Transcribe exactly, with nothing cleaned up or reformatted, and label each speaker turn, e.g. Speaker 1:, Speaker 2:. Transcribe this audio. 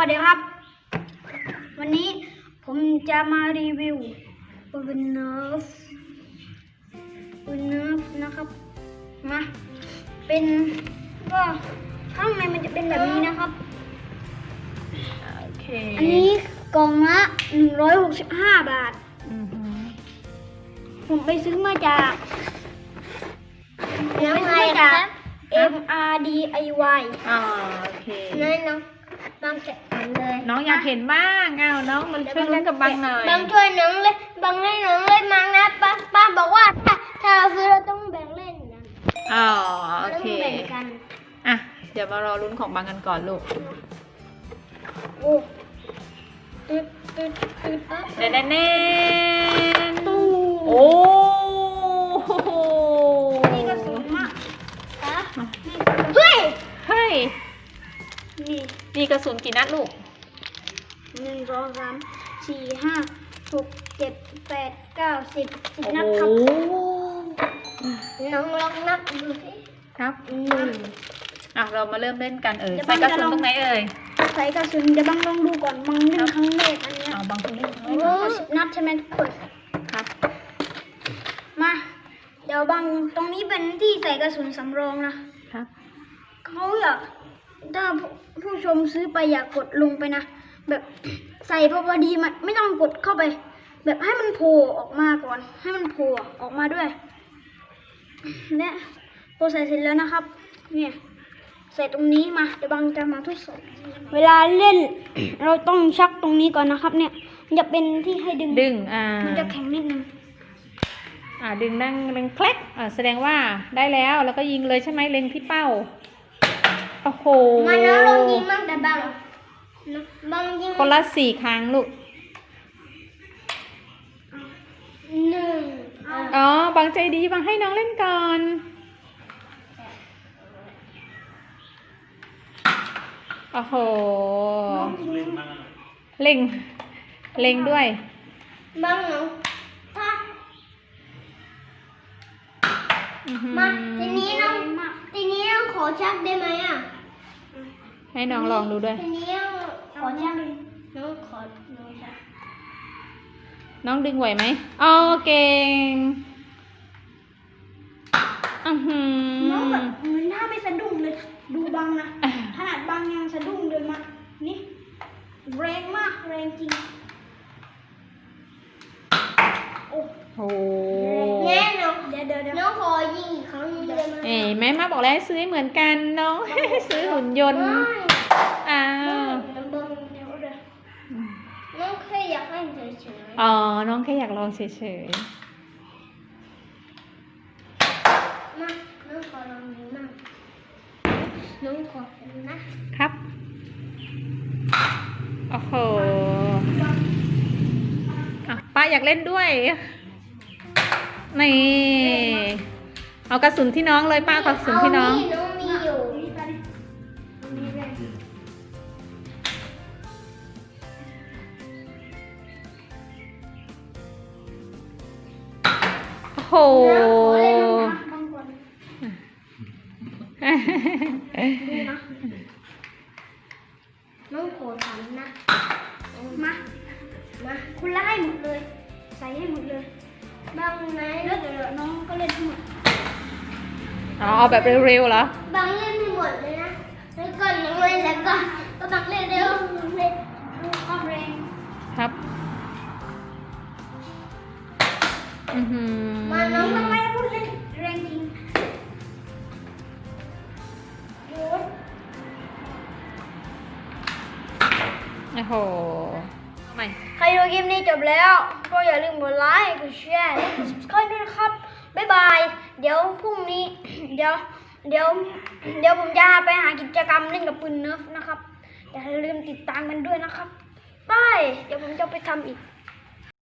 Speaker 1: วัสดีครับวันนี้ผมจะมารีวิวปืนเนิร์ฟปืนเนิร์ฟนะครับมาเป็นก็ข้างในมันจะเป็นแบบนี้นะครับ
Speaker 2: โอเค
Speaker 1: อันนี้กล่องละหนึ่งร้อยหกสิบห้าบาทผมไปซื้อมาจากผมไปซื้อมาจาก เอ็ม อาร์ ดี ไอ วาย
Speaker 2: อ๋อโอเค
Speaker 3: น้อยน้องบางแกะเลย
Speaker 2: น้องอยากเห็นบ้างอ้าวน้องมันช่วยลุ้นกับบังหน่อย
Speaker 3: บางช่วยน้องเลยบางให้น้องเล่นมั้งนะป้าป้าบอกว่าถ้าถ้าเราซื้อเราต้องแบ่งเล่นนะ
Speaker 2: อ๋อโอ
Speaker 3: เรา
Speaker 2: เค
Speaker 3: ต้องแบ่งกัน
Speaker 2: อ่ะเดี๋ยวมารอลุ้นของบังกันก่อนลูก
Speaker 1: โอ้ตึ๊ดตึ๊ดตึ๊ด
Speaker 2: เน่นเน่น
Speaker 1: ตู้
Speaker 2: โอ้โห
Speaker 1: นี่ก็สูงมากอ่ะ
Speaker 3: เฮ้ย
Speaker 2: เฮ้ย
Speaker 1: นี่
Speaker 2: นี่กระสุนกี่นัดลูก
Speaker 1: หนึ่งสองสามสี่ห้าหกเจ็ดแปดเก้าสิบสิบ
Speaker 2: โอ้
Speaker 1: นัด
Speaker 2: โห
Speaker 1: ครับ
Speaker 3: น้องลองนับดูสิ
Speaker 2: ครับหนึ่งอ่ะเรามาเริ่มเล่นกันเออใส่กระสุนตรงไหนเอ่ย
Speaker 1: ใส่กระสุนเดี๋ยวบังลองดูก่อนบังเล่นครั้งแรกอันเนี้ย
Speaker 2: เอาบังตรงนี้
Speaker 1: เอาสิบนัดใช่ไหมทุกคน
Speaker 2: ครับ
Speaker 1: มาเดี๋ยวบังตรงนี้เป็นที่ใส่กระสุนสำรองนะครับ เขาอยากถ้าผู้ผู้ชมซื้อไปอยากกดลงไปนะแบบใส่พอพอดีมันไม่ต้องกดเข้าไป แบบให้มันโผล่ออกมาก่อน ให้มันโผล่ออกมาด้วยเนี่ยพอใส่เสร็จแล้วนะครับเนี่ยใส่ตรงนี้มาเดี๋ยวบังจะมาทดสอบเวลาเล่น เราต้องชักตรงนี้ก่อนนะครับ เนี่ยมันจะเป็นที่ให้ดึง
Speaker 2: ดึงอ่า
Speaker 1: มันจะแข็งนิดนึง
Speaker 2: อ่าดึงนั่งดึงแคล็กอ่าแสดงว่าได้แล้วแล้วก็ยิงเลยใช่ไหมเล็งที่เป้าโอ้โห
Speaker 3: มาน้องลองยิงมั่งแต่บางบางยิง
Speaker 2: คนละสี่ครั้งลูก
Speaker 3: หนึ่ง
Speaker 2: อ๋อบังใจดีบังให้น้องเล่นก่อนโอ้โหเล็งเล็งด้วย
Speaker 3: บางน้องถ้า
Speaker 2: อื้อหือ
Speaker 3: มาทีนี้น้องทีนี้น้องขอชักได้ไหมอ่ะ
Speaker 2: ให้น้องลองดูด้วย
Speaker 3: ทีนี้น้องขอชักน้องขอน้องชัก
Speaker 2: น้องดึงไหวไหมอ๋อเก่งอือหือ
Speaker 1: น้องแบบเหมือนหน้าไม่สะดุ้งเลยดูบังนะขนาดบังยังสะดุ้งเลยมานี่แรงมากแรงจริงโอ้
Speaker 2: โอ้
Speaker 3: แน่น้อง
Speaker 1: เดี๋ยวเดี๋ยวเดี๋ยว
Speaker 3: น้องขอยิงอีกครั้งหนึงได้ไหม
Speaker 2: เอ้ยแม่มาบอกแล้วให้ซื้อให้เหมือนกันน้อง ซื้อหุ่นยนต์
Speaker 3: ไม่
Speaker 2: อ้าว
Speaker 3: น้องเบิ้ง
Speaker 1: เดี๋ยวเดี๋ยว
Speaker 3: น้องแค่อยากให้เฉย
Speaker 2: อ๋อน้องแค่อยากลองเฉย
Speaker 3: ๆมาน้องขอลองดูมั่งน้องขอเห็นนะครับ
Speaker 2: โอ้โหอ่ะป้าอยากเล่นด้วยนี่เอากระสุนที่น้องเลยป้าเอากระสุนที่น้อง
Speaker 3: เาน้องมีอยู่
Speaker 1: นี่ไปดิตรงนี้เลย
Speaker 2: โอ้โห
Speaker 1: บังก่อนดูนะ
Speaker 3: น้องขอทำนะ
Speaker 1: มา
Speaker 3: มา
Speaker 1: คุณไล่หมดเลย ใส่ให้หมดเลย
Speaker 3: บางไหน
Speaker 1: แล้วเดี๋ยวน้องก็เล่นทั้งหมด
Speaker 2: อ๋อเอาแบบเร็วๆเหรอ
Speaker 3: บางเล่นไม่หมดเลยนะแล้วก่อนน้องเล่นแล้วก็ก็บางเล่นเร็วเล่น
Speaker 1: ดูความแรง
Speaker 2: ครับ อือหือ
Speaker 3: มาน้อง
Speaker 1: ทำไมพูดเล่นแรงจริงโอ้ย
Speaker 2: โอ้โหเอาใหม่
Speaker 1: ใครดูคลิปนี้จบแล้ว ก็อย่าลืมกดไลค์ กดแชร์ และกด subscribe ด้วยนะครับ บ๊ายบาย เดี๋ยวพรุ่งนี้ เดี๋ยว เดี๋ยว เดี๋ยวผมจะไปหากิจกรรมเล่นกับปืนเนิร์ฟนะครับ อย่าลืมติดตามกันด้วยนะครับบาย เดี๋ยวผมจะไปทำอีก